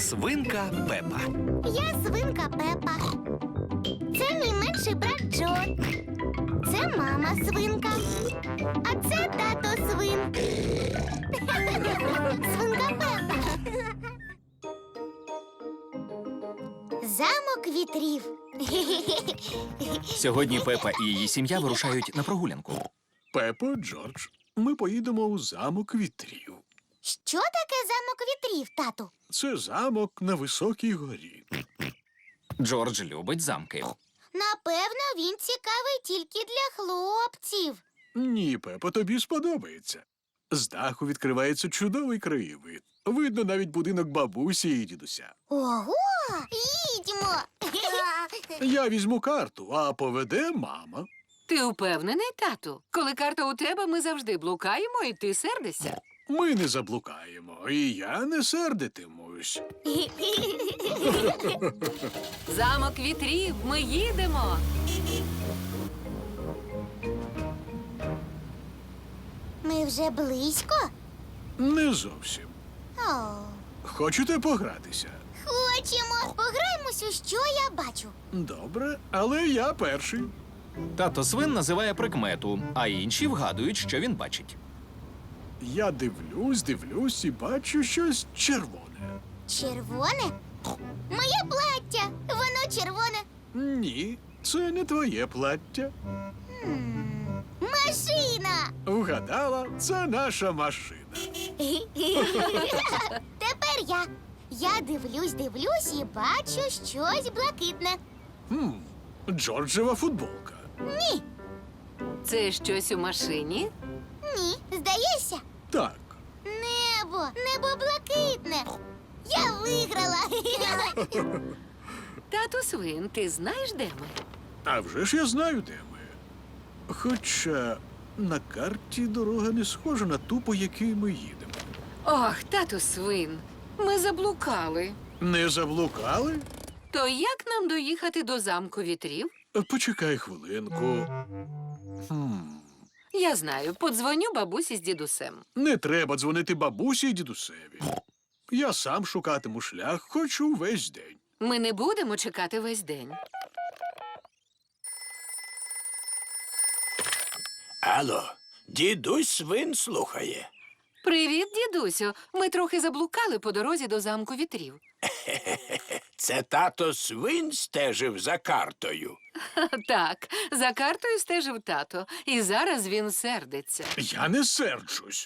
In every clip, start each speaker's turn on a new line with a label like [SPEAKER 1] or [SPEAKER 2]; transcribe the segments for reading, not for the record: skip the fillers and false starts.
[SPEAKER 1] Свинка Пепа.
[SPEAKER 2] Я свинка Пепа. Це мій менший брат Джо. Це мама свинка. А це тато свин. Свинка Пепа. Замок вітрів.
[SPEAKER 1] Сьогодні Пепа і її сім'я вирушають на прогулянку.
[SPEAKER 3] Пепо, Джордж, ми поїдемо у замок вітрів.
[SPEAKER 2] Що таке замок вітрів, тату?
[SPEAKER 3] Це замок на високій горі.
[SPEAKER 1] Джордж любить замки.
[SPEAKER 2] Напевно, він цікавий тільки для хлопців.
[SPEAKER 3] Ні, Пепо, тобі сподобається. З даху відкривається чудовий краєвид. Видно навіть будинок бабусі і дідуся.
[SPEAKER 2] Ого! Їдьмо!
[SPEAKER 3] Я візьму карту, а поведе мама.
[SPEAKER 4] Ти впевнений, тату? Коли карта у тебе, ми завжди блукаємо, і ти сердишся.
[SPEAKER 3] Ми не заблукаємо, і я не сердитимусь.
[SPEAKER 4] Замок вітрів, ми їдемо.
[SPEAKER 2] Ми вже близько?
[SPEAKER 3] Не зовсім.
[SPEAKER 2] О,
[SPEAKER 3] Хочете погратися?
[SPEAKER 2] хочемо. Пограємось у що я бачу.
[SPEAKER 3] Добре, але я перший.
[SPEAKER 1] Тато свин називає прикмету, а інші вгадують, що він бачить.
[SPEAKER 3] Я дивлюсь і бачу щось червоне.
[SPEAKER 2] Червоне? Моє плаття. Воно червоне.
[SPEAKER 3] Ні, це не твоє плаття.
[SPEAKER 2] Машина.
[SPEAKER 3] Вгадала, це наша машина.
[SPEAKER 2] Тепер я. Я дивлюсь і бачу щось блакитне.
[SPEAKER 3] Джорджева футболка.
[SPEAKER 2] Ні,
[SPEAKER 4] Це щось у машині?
[SPEAKER 2] ні, здається.
[SPEAKER 3] Так.
[SPEAKER 2] Небо блакитне. Я виграла.
[SPEAKER 4] Тату свин, ти знаєш, де ми?
[SPEAKER 3] А вже ж я знаю, де ми. Хоча на карті дорога не схожа на ту, по якій ми їдемо.
[SPEAKER 4] Ох, тату свин, ми заблукали.
[SPEAKER 3] Не заблукали?
[SPEAKER 4] То як нам доїхати до замку вітрів?
[SPEAKER 3] Почекай хвилинку.
[SPEAKER 4] Я знаю, подзвоню бабусі з дідусем.
[SPEAKER 3] Не треба дзвонити бабусі і дідусеві. Я сам шукатиму шлях, хоч увесь день.
[SPEAKER 4] Ми не будемо чекати весь день.
[SPEAKER 5] Алло, дідусь свин слухає.
[SPEAKER 4] Привіт, дідусю. Ми трохи заблукали по дорозі до замку вітрів.
[SPEAKER 5] Це тато свин стежив за картою.
[SPEAKER 4] Так, за картою стежив тато, і зараз він сердиться.
[SPEAKER 3] Я не серджусь.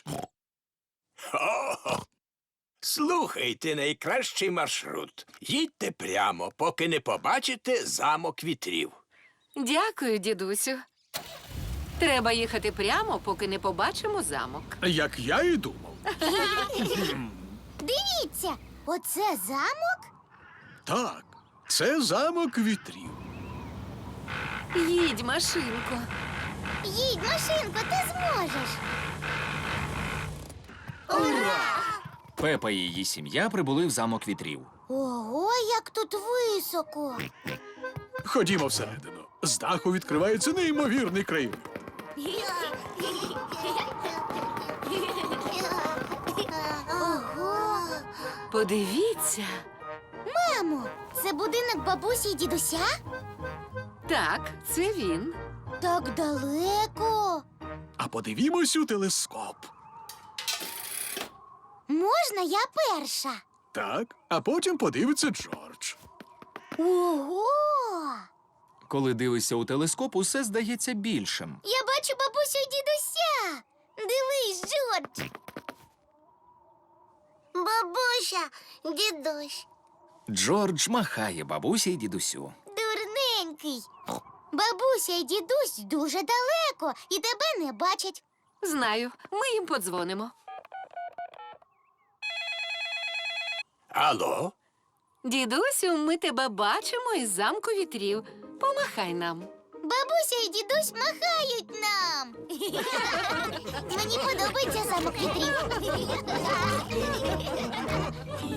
[SPEAKER 5] О, слухайте найкращий маршрут. Їдьте прямо, поки не побачите замок вітрів.
[SPEAKER 4] Дякую, дідусю. Треба їхати прямо, поки не побачимо замок.
[SPEAKER 3] Як я і думав.
[SPEAKER 2] Дивіться, оце замок?
[SPEAKER 3] Так, це замок вітрів.
[SPEAKER 4] Їдь, машинко.
[SPEAKER 2] Їдь, машинко, ти зможеш.
[SPEAKER 1] Пепа і її сім'я прибули в замок вітрів.
[SPEAKER 2] Ого, як тут високо.
[SPEAKER 3] Ходімо всередину. З даху відкривається неймовірний краєвид.
[SPEAKER 2] Ого.
[SPEAKER 4] Подивіться.
[SPEAKER 2] Мамо, це будинок бабусі і дідуся?
[SPEAKER 4] Так, це він.
[SPEAKER 2] Так далеко.
[SPEAKER 3] А подивімось у телескоп.
[SPEAKER 2] Можна я перша?
[SPEAKER 3] Так, а потім подивиться Джордж.
[SPEAKER 2] Ого!
[SPEAKER 1] Коли дивишся у телескоп, усе здається більшим.
[SPEAKER 2] Я бачу бабусю і дідуся. Дивись, Джордж. Бабуся, дідусь.
[SPEAKER 1] Джордж махає бабусі й дідусю.
[SPEAKER 2] Дурненький. Бабуся і дідусь дуже далеко і тебе не бачать.
[SPEAKER 4] Знаю, ми їм подзвонимо.
[SPEAKER 5] Алло?
[SPEAKER 4] Дідусю, ми тебе бачимо із замку вітрів. Помахай нам.
[SPEAKER 2] Бабуся і дідусь махають нам. Мені подобається замок вітрів.